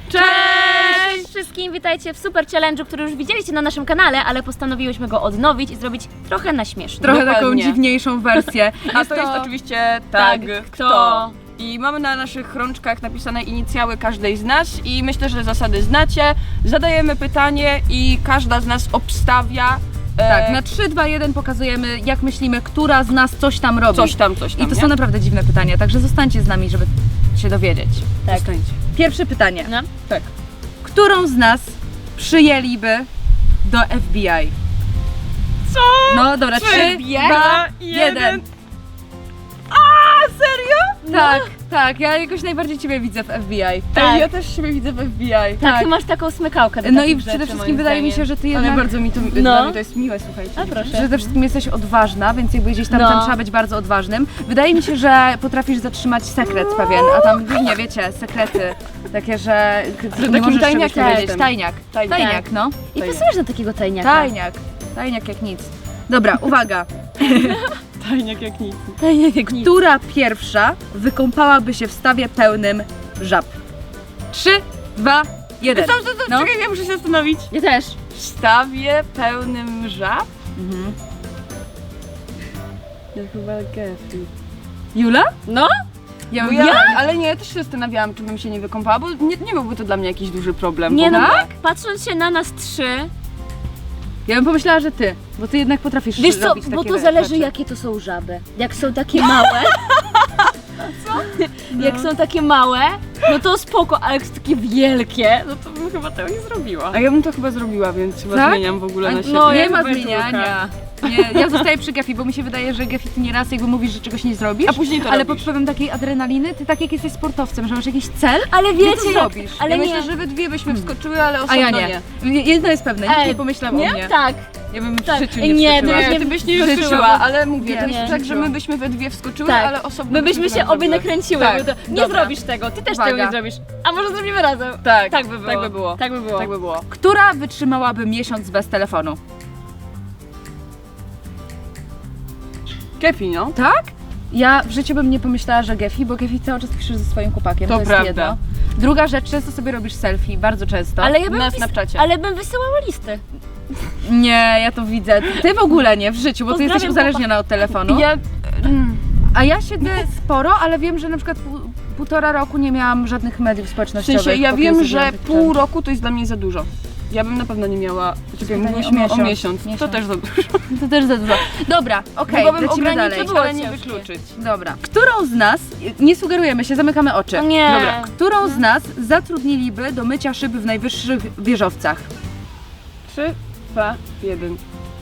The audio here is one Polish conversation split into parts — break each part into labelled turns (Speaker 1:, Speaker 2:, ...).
Speaker 1: Cześć wszystkim, witajcie w super challenge'u, który już widzieliście na naszym kanale, ale postanowiłyśmy go odnowić i zrobić trochę na śmieszny.
Speaker 2: Trochę taką
Speaker 3: Dokładnie.
Speaker 2: dziwniejszą wersję.
Speaker 3: A to jest oczywiście tag
Speaker 1: kto.
Speaker 3: kto. I mamy na naszych rączkach napisane inicjały każdej z nas i myślę, że zasady znacie. Zadajemy pytanie i każda z nas obstawia
Speaker 2: Tak, na 3, 2, 1 pokazujemy, jak myślimy, która z nas coś tam robi.
Speaker 3: coś tam.
Speaker 2: I to
Speaker 3: nie?
Speaker 2: są naprawdę dziwne pytania, także zostańcie z nami, żeby się dowiedzieć.
Speaker 1: Tak.
Speaker 3: Zostańcie.
Speaker 2: Pierwsze pytanie.
Speaker 1: No.
Speaker 3: Tak.
Speaker 2: Którą z nas przyjęliby do FBI?
Speaker 3: Co?
Speaker 2: No dobra, 3, 2, 1.
Speaker 3: Serio?
Speaker 2: Tak, ja jakoś najbardziej Ciebie widzę w FBI.
Speaker 1: Tak.
Speaker 3: Ja też siebie widzę w FBI.
Speaker 1: Tak, ty masz taką smykałkę do
Speaker 2: No
Speaker 1: takich
Speaker 2: i
Speaker 1: rzeczy,
Speaker 2: przede wszystkim
Speaker 1: moim
Speaker 2: wydaje mi się,
Speaker 1: zdaniem.
Speaker 2: że Ty
Speaker 3: Ale
Speaker 2: jednak...
Speaker 3: bardzo mi to,
Speaker 1: No.
Speaker 3: dla mnie to jest miłe, słuchajcie.
Speaker 1: A proszę.
Speaker 2: Przede wszystkim jesteś odważna, więc jakby gdzieś tam,
Speaker 1: No.
Speaker 2: tam trzeba być bardzo odważnym. Wydaje mi się, że potrafisz zatrzymać sekret pewien, a tam, nie wiecie, sekrety takie, że nie
Speaker 3: takim
Speaker 2: możesz czegoś
Speaker 3: tajniakiem
Speaker 2: powiedzieć.
Speaker 3: jestem.
Speaker 2: Tajniak,
Speaker 3: Tajniak.
Speaker 2: no.
Speaker 1: I pasujesz na takiego tajniaka.
Speaker 2: Tajniak jak nic. Dobra, uwaga.
Speaker 3: Tajniak jak nic.
Speaker 1: Tajniak jak nic.
Speaker 2: Która pierwsza wykąpałaby się w stawie pełnym żab? 3, 2, 1. No.
Speaker 3: Czekaj, ja muszę się zastanowić.
Speaker 1: Ja też.
Speaker 3: W stawie pełnym żab?
Speaker 2: Mhm.
Speaker 3: Ja chyba Gefi.
Speaker 2: Jula?
Speaker 1: No?
Speaker 2: Ja,
Speaker 3: Ale nie, ja też się zastanawiałam, czy bym się nie wykąpała, bo nie byłby to dla mnie jakiś duży problem.
Speaker 1: Nie no,
Speaker 2: Tak?
Speaker 1: patrząc się na nas trzy,
Speaker 2: ja bym pomyślała, że ty, bo ty jednak potrafisz
Speaker 1: wiesz co,
Speaker 2: robić
Speaker 1: bo
Speaker 2: takie
Speaker 1: to zależy
Speaker 2: rzeczy.
Speaker 1: jakie to są żaby. Jak są takie małe, jak są takie małe, no to spoko, ale jak są takie wielkie, no to bym chyba tego nie zrobiła.
Speaker 3: A ja bym to chyba zrobiła, więc chyba
Speaker 2: Tak?
Speaker 3: zmieniam w ogóle na siebie.
Speaker 1: no,
Speaker 2: Nie
Speaker 1: ja
Speaker 2: ma
Speaker 1: chyba
Speaker 2: zmieniania. Nie, ja zostaję przy Gefi, bo mi się wydaje, że Gefi ty nieraz jakby mówisz, że czegoś nie zrobisz,
Speaker 3: A później to
Speaker 2: ale
Speaker 3: robisz.
Speaker 2: pod wpływem takiej adrenaliny, ty tak jak jesteś sportowcem, że masz jakiś cel,
Speaker 1: Ale
Speaker 2: to
Speaker 1: wiecie, jak,
Speaker 2: zrobisz.
Speaker 1: ale
Speaker 3: ja
Speaker 1: nie.
Speaker 3: myślę, że we dwie byśmy wskoczyły, ale
Speaker 2: a
Speaker 3: osobno
Speaker 2: ja nie. Jedno jest pewne, nikt
Speaker 1: Ej,
Speaker 2: nie pomyślał o mnie.
Speaker 1: Tak.
Speaker 2: Ja bym w
Speaker 1: Tak.
Speaker 2: życiu
Speaker 1: Ej,
Speaker 2: nie
Speaker 1: nie,
Speaker 2: wskoczyła.
Speaker 1: to
Speaker 3: Nie, ty byś nie
Speaker 2: Wskoczyła.
Speaker 3: wskoczyła, ale mówię,
Speaker 2: Nie,
Speaker 3: to jest
Speaker 2: nie.
Speaker 3: tak, że my byśmy we dwie wskoczyły,
Speaker 1: Tak.
Speaker 3: ale osobno
Speaker 1: My byśmy się obie nakręciły,
Speaker 3: Tak,
Speaker 1: bo to nie
Speaker 2: dobra.
Speaker 1: zrobisz tego, ty też
Speaker 2: Uwaga.
Speaker 1: tego nie zrobisz. A może zrobimy razem?
Speaker 3: Tak,
Speaker 1: Tak by było.
Speaker 3: tak by było.
Speaker 1: Tak by było.
Speaker 3: Tak by było.
Speaker 2: Która wytrzymałaby miesiąc bez telefonu?
Speaker 3: Kepi, no.
Speaker 2: Tak? Ja w życiu bym nie pomyślała, że Gefi, bo Gefi cały czas piszesz ze swoim chłopakiem,
Speaker 3: To
Speaker 2: to jest
Speaker 3: prawda.
Speaker 2: jedno. Druga rzecz, często sobie robisz selfie, bardzo często.
Speaker 1: Ale ja bym
Speaker 3: Na Snapchacie.
Speaker 1: ale bym wysyłała listy.
Speaker 2: Nie, ja to widzę. Ty w ogóle nie, w życiu, bo ty
Speaker 1: Pozdrawiam
Speaker 2: jesteś uzależniona od telefonu.
Speaker 3: Ja...
Speaker 2: A ja siedzę sporo, ale wiem, że na przykład półtora roku nie miałam żadnych mediów
Speaker 3: W
Speaker 2: społecznościowych.
Speaker 3: sensie, ja
Speaker 2: póki
Speaker 3: wiem,
Speaker 2: sobie
Speaker 3: że
Speaker 2: robię
Speaker 3: pół roku to jest dla mnie za dużo. Ja bym na pewno nie miała... Czekaj,
Speaker 2: Pytanie
Speaker 3: mówiliśmy
Speaker 2: o
Speaker 3: o
Speaker 2: miesiąc.
Speaker 3: miesiąc. To też za dużo.
Speaker 2: To też za dużo. Dobra, okej,
Speaker 3: Mogłabym
Speaker 2: lecimy dalej.
Speaker 3: ograniczyć, ale nie
Speaker 1: Ciężkie.
Speaker 3: wykluczyć.
Speaker 2: Dobra. Którą z nas, nie sugerujemy się, zamykamy oczy.
Speaker 1: Nie.
Speaker 2: Dobra. Którą z nas zatrudniliby do mycia szyb w najwyższych wieżowcach?
Speaker 3: 3, 2, 1.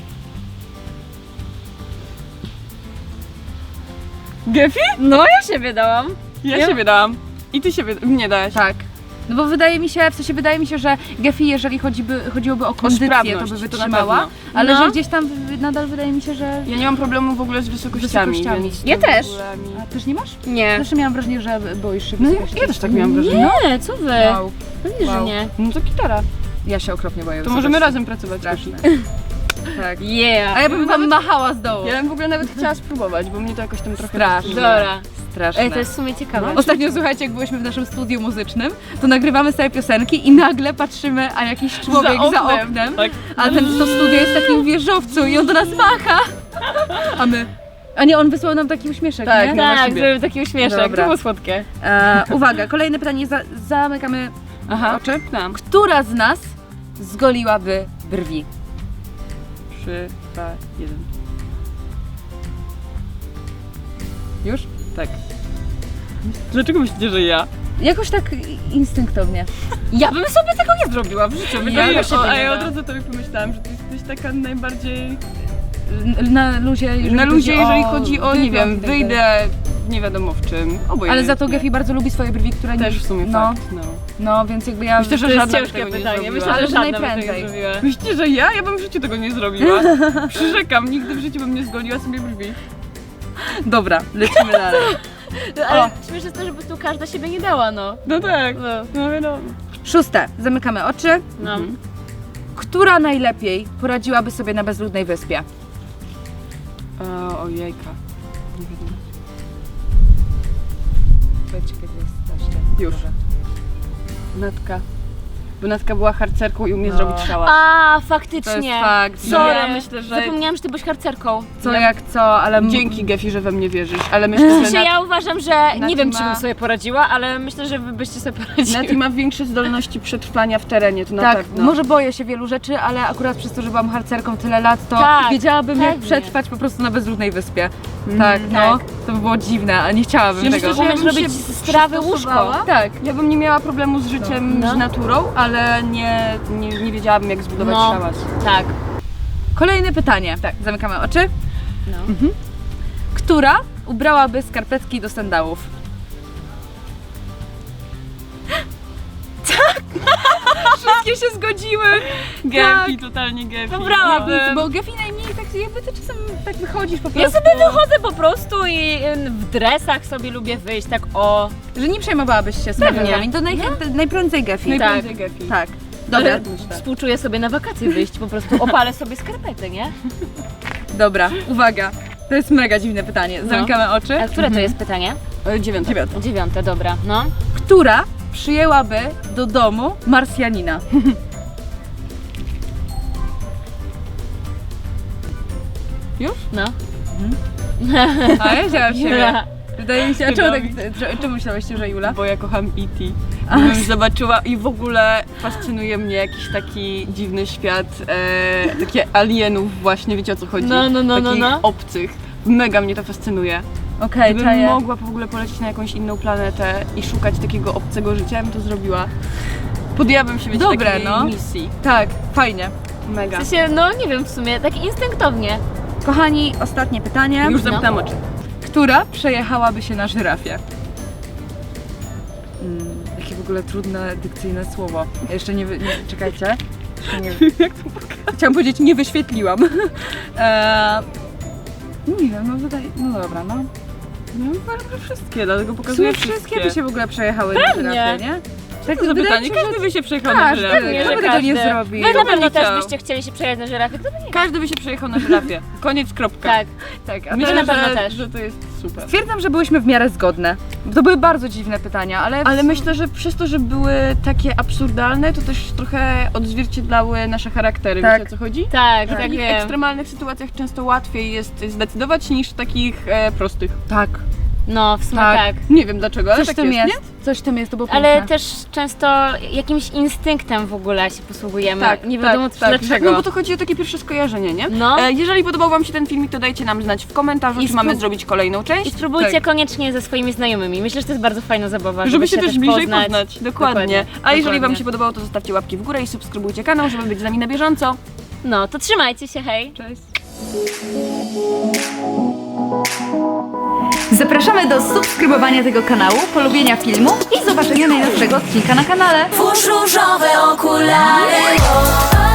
Speaker 3: Gefi?
Speaker 1: No ja siebie dałam.
Speaker 3: Ja siebie dałam. I ty siebie nie dałaś.
Speaker 2: Tak. No bo wydaje mi się, że Gefi, jeżeli chodziłoby o kondycję, to
Speaker 3: sprawność,
Speaker 2: by
Speaker 3: to na
Speaker 2: wytrzymała,
Speaker 3: pewno.
Speaker 2: ale
Speaker 1: No.
Speaker 2: że gdzieś tam nadal wydaje mi się, że...
Speaker 3: Ja nie mam problemu w ogóle z wysokościami,
Speaker 2: Wysokościami.
Speaker 3: więc
Speaker 1: Ja
Speaker 3: to w
Speaker 1: też.
Speaker 3: ogóle mi-
Speaker 2: A też nie masz?
Speaker 1: Nie.
Speaker 2: Zawsze miałam wrażenie, że boisz się
Speaker 3: No
Speaker 2: wysokości.
Speaker 3: ja też tak miałam wrażenie.
Speaker 1: Nie, co wy?
Speaker 2: Wow.
Speaker 1: Pewnie, że
Speaker 2: Wow.
Speaker 1: nie.
Speaker 3: No to gitara.
Speaker 2: Ja się okropnie boję
Speaker 3: To możemy
Speaker 2: wysokości.
Speaker 3: razem pracować.
Speaker 2: Straszne.
Speaker 3: Gefi.
Speaker 2: Tak.
Speaker 1: Yeah.
Speaker 2: A ja bym wam machała z dołu.
Speaker 3: Ja bym w ogóle nawet chciała spróbować, bo mnie to jakoś tam trochę...
Speaker 2: Straszne.
Speaker 1: Dobra.
Speaker 2: Straszne.
Speaker 1: Ej, to jest w sumie ciekawe.
Speaker 2: Ostatnio, słuchajcie, jak byliśmy w naszym studiu muzycznym, to nagrywamy sobie piosenki i nagle patrzymy, a jakiś człowiek za oknem,
Speaker 3: Tak.
Speaker 2: a to studio jest w takim wieżowcu i on do nas macha. A my... A nie, on wysłał nam taki uśmieszek,
Speaker 3: Tak,
Speaker 2: nie?
Speaker 3: no.
Speaker 1: Tak,
Speaker 3: siebie.
Speaker 1: zrobił taki uśmieszek,
Speaker 2: Dobra.
Speaker 1: to było słodkie.
Speaker 2: Uwaga, kolejne pytanie, zamykamy
Speaker 3: Aha,
Speaker 2: oczy.
Speaker 3: tam.
Speaker 2: Która z nas zgoliłaby brwi?
Speaker 3: 3, 2, 1.
Speaker 2: Już?
Speaker 3: Tak. Dlaczego myślicie, że ja?
Speaker 2: Jakoś tak instynktownie.
Speaker 1: Ja bym sobie tego nie zrobiła w życiu.
Speaker 3: Ja,
Speaker 1: Ja się
Speaker 3: a ja od razu tobie pomyślałam, że ty jesteś taka najbardziej...
Speaker 2: Na luzie, jeżeli
Speaker 3: Na luzie, jeżeli chodzi o, nie
Speaker 2: wygląd
Speaker 3: wiem,
Speaker 2: i tak dalej.
Speaker 3: wyjdę nie wiadomo w czym. Obojętnie.
Speaker 2: Ale za to Gefi bardzo lubi swoje brwi, które
Speaker 3: też
Speaker 2: nie...
Speaker 3: w sumie
Speaker 2: no,
Speaker 3: fakt, no.
Speaker 2: no, więc jakby ja...
Speaker 3: Myślę, że
Speaker 1: To jest
Speaker 3: żadna by
Speaker 1: ciężkie
Speaker 3: tego nie
Speaker 1: pytanie.
Speaker 3: zrobiła.
Speaker 1: Myślę,
Speaker 2: Ale
Speaker 1: że
Speaker 2: że
Speaker 1: żadna by tego
Speaker 2: najprędzej.
Speaker 1: nie zrobiła.
Speaker 3: Myślicie, że ja? Ja bym w życiu tego nie zrobiła. Przyrzekam, nigdy w życiu bym nie zgoliła sobie brwi.
Speaker 2: Dobra, lecimy dalej.
Speaker 1: Ale śmieszne jest to, że po prostu każda siebie nie dała, no.
Speaker 3: No tak,
Speaker 1: No.
Speaker 3: no wiadomo.
Speaker 2: 6. Zamykamy oczy.
Speaker 1: No.
Speaker 3: Mhm.
Speaker 2: Która najlepiej poradziłaby sobie na bezludnej wyspie?
Speaker 3: Ojejka. Nie wiadomo.
Speaker 2: Powiedzcie, kiedy jest
Speaker 3: Już. Natka. bo Natka była harcerką i umie zrobić szałas.
Speaker 1: A,
Speaker 2: To
Speaker 1: faktycznie.
Speaker 2: jest fakt.
Speaker 1: Sorry,
Speaker 3: Ja myślę, że-
Speaker 1: zapomniałam, że ty byłeś harcerką.
Speaker 2: Co jak co, ale
Speaker 3: Dzięki Gefi, że we mnie wierzysz, ale myślę, że
Speaker 1: Znaczy, ja uważam, że nie
Speaker 3: Nati
Speaker 1: wiem, czy
Speaker 3: ma-
Speaker 1: bym sobie poradziła, ale myślę, że wy byście sobie poradzili.
Speaker 3: Nati ma większe zdolności przetrwania w terenie, to na
Speaker 2: tak,
Speaker 3: pewno.
Speaker 2: może boję się wielu rzeczy, ale akurat przez to, że byłam harcerką tyle lat, to
Speaker 1: Tak,
Speaker 2: wiedziałabym jak
Speaker 1: pewnie.
Speaker 2: przetrwać po prostu na bezludnej wyspie. Tak, no,
Speaker 1: tak.
Speaker 2: to by było dziwne, a nie chciałabym
Speaker 3: Ja
Speaker 2: tego.
Speaker 3: myślę, że ja
Speaker 1: Umiesz
Speaker 3: bym
Speaker 1: robić
Speaker 3: się
Speaker 1: z trawy
Speaker 3: przystosowała.
Speaker 1: łóżko.
Speaker 2: Tak.
Speaker 3: Ja bym nie miała problemu z życiem,
Speaker 1: No.
Speaker 3: z naturą, ale nie wiedziałabym jak zbudować
Speaker 1: No.
Speaker 3: szałas.
Speaker 1: Tak.
Speaker 2: Kolejne pytanie. Tak, zamykamy oczy.
Speaker 1: No.
Speaker 2: Która ubrałaby skarpetki do sandałów? Tak! Wszystkie się zgodziły!
Speaker 3: Gefi, totalnie Gefi.
Speaker 1: Wybrałabym.
Speaker 2: Bo Gefi najmniej tak jakby ty czasem tak wychodzisz po prostu.
Speaker 1: Ja sobie wychodzę po prostu i w dresach sobie lubię wyjść, tak o.
Speaker 2: Że nie przejmowałabyś się skarpetkami. To najprędzej Gefi.
Speaker 3: Najprędzej Gefi.
Speaker 2: Tak. Dobra,
Speaker 1: Ale współczuję sobie na wakacje wyjść, po prostu opalę sobie skarpety, nie?
Speaker 2: dobra, uwaga. To jest mega dziwne pytanie. Zamykamy oczy.
Speaker 1: A które to jest pytanie?
Speaker 3: 9.
Speaker 1: 9, dobra, no.
Speaker 2: Która przyjęłaby do domu Marsjanina?
Speaker 3: Już?
Speaker 1: No.
Speaker 2: A ja wzięłam siebie.
Speaker 1: Dobra.
Speaker 2: Wydaje mi się, a czemu, tak, czemu myślałyście, że Jula?
Speaker 3: Bo ja kocham E.T. Gdybym zobaczyła i w ogóle fascynuje mnie jakiś taki dziwny świat, takie alienów właśnie, wiecie o co chodzi?
Speaker 1: No,
Speaker 3: Takich
Speaker 1: no.
Speaker 3: obcych. Mega mnie to fascynuje.
Speaker 2: Okej,
Speaker 3: Gdybym
Speaker 2: czaję.
Speaker 3: mogła w ogóle polecieć na jakąś inną planetę i szukać takiego obcego życia, ja bym to zrobiła. Podjęłabym się, wiecie,
Speaker 2: Dobre,
Speaker 3: takiej
Speaker 2: no.
Speaker 3: misji.
Speaker 2: Tak, fajnie.
Speaker 3: Mega.
Speaker 1: W sensie, no nie wiem w sumie, tak instynktownie.
Speaker 2: Kochani, ostatnie pytanie.
Speaker 3: Już zamknęłam oczy.
Speaker 2: Która przejechałaby się na żyrafie? Jakie w ogóle trudne dykcyjne słowo. Ja jeszcze nie czekajcie. Jeszcze nie,
Speaker 3: Jak to pokazać?
Speaker 2: chciałam powiedzieć, nie wyświetliłam. Nie wiem, no wydaje. No dobra, no.
Speaker 3: No uważam, że wszystkie, dlatego
Speaker 2: W
Speaker 3: pokazuję
Speaker 2: sumie wszystkie by się w ogóle przejechały na
Speaker 1: Pewnie.
Speaker 2: żyrafie, nie? Tak,
Speaker 3: To
Speaker 2: wydaje
Speaker 3: pytanie,
Speaker 2: mi się, że
Speaker 3: każdy by się przejechał na
Speaker 2: każdy,
Speaker 3: żyrafie.
Speaker 1: Pewnie,
Speaker 2: kto
Speaker 1: że
Speaker 2: by tego nie
Speaker 1: każdy.
Speaker 2: zrobił?
Speaker 1: Wy na
Speaker 3: Kto by
Speaker 1: pewno
Speaker 3: nie
Speaker 1: też
Speaker 3: chciał?
Speaker 1: byście chcieli się przejechać na żyrafie, kto by nie?
Speaker 3: Każdy by się przejechał na żyrafie. Koniec, kropka.
Speaker 1: Tak.
Speaker 2: Tak, a
Speaker 3: Myślę,
Speaker 1: na pewno
Speaker 3: że,
Speaker 1: też.
Speaker 3: że to jest super.
Speaker 2: stwierdzam, że byłyśmy w miarę zgodne. To były bardzo dziwne pytania, ale...
Speaker 3: Ale myślę, że przez to, że były takie absurdalne, to też trochę odzwierciedlały nasze charaktery.
Speaker 2: Tak.
Speaker 3: Wiecie o co chodzi?
Speaker 1: Tak,
Speaker 3: W
Speaker 1: tak
Speaker 3: takich
Speaker 1: wiem.
Speaker 3: ekstremalnych sytuacjach często łatwiej jest zdecydować niż w takich prostych.
Speaker 2: Tak,
Speaker 1: No, w sumie
Speaker 2: Tak.
Speaker 1: tak.
Speaker 3: Nie wiem dlaczego, ale
Speaker 2: coś
Speaker 3: tak
Speaker 2: w tym
Speaker 3: jest,
Speaker 2: jest. Coś w tym jest, to było
Speaker 1: Ale
Speaker 2: piękne.
Speaker 1: też często jakimś instynktem w ogóle się posługujemy.
Speaker 3: Tak,
Speaker 1: nie wiadomo dlaczego.
Speaker 3: No bo to chodzi o takie pierwsze skojarzenie, nie?
Speaker 1: No.
Speaker 3: Jeżeli podobał wam się ten filmik, to dajcie nam znać w komentarzu,
Speaker 1: I
Speaker 3: czy mamy zrobić kolejną
Speaker 1: I
Speaker 3: część.
Speaker 1: spróbujcie
Speaker 2: Tak.
Speaker 1: koniecznie ze swoimi znajomymi. Myślę, że to jest bardzo fajna zabawa.
Speaker 3: Żeby się też bliżej
Speaker 1: poznać.
Speaker 3: poznać. Dokładnie. A jeżeli wam
Speaker 1: dokładnie.
Speaker 3: się podobało, to zostawcie łapki w górę i subskrybujcie kanał, żeby być z nami na bieżąco.
Speaker 1: No, to trzymajcie się, hej!
Speaker 3: Cześć.
Speaker 2: Zapraszamy do subskrybowania tego kanału, polubienia filmu i zobaczenia najnowszego odcinka na kanale.
Speaker 4: Włóż różowe okulary.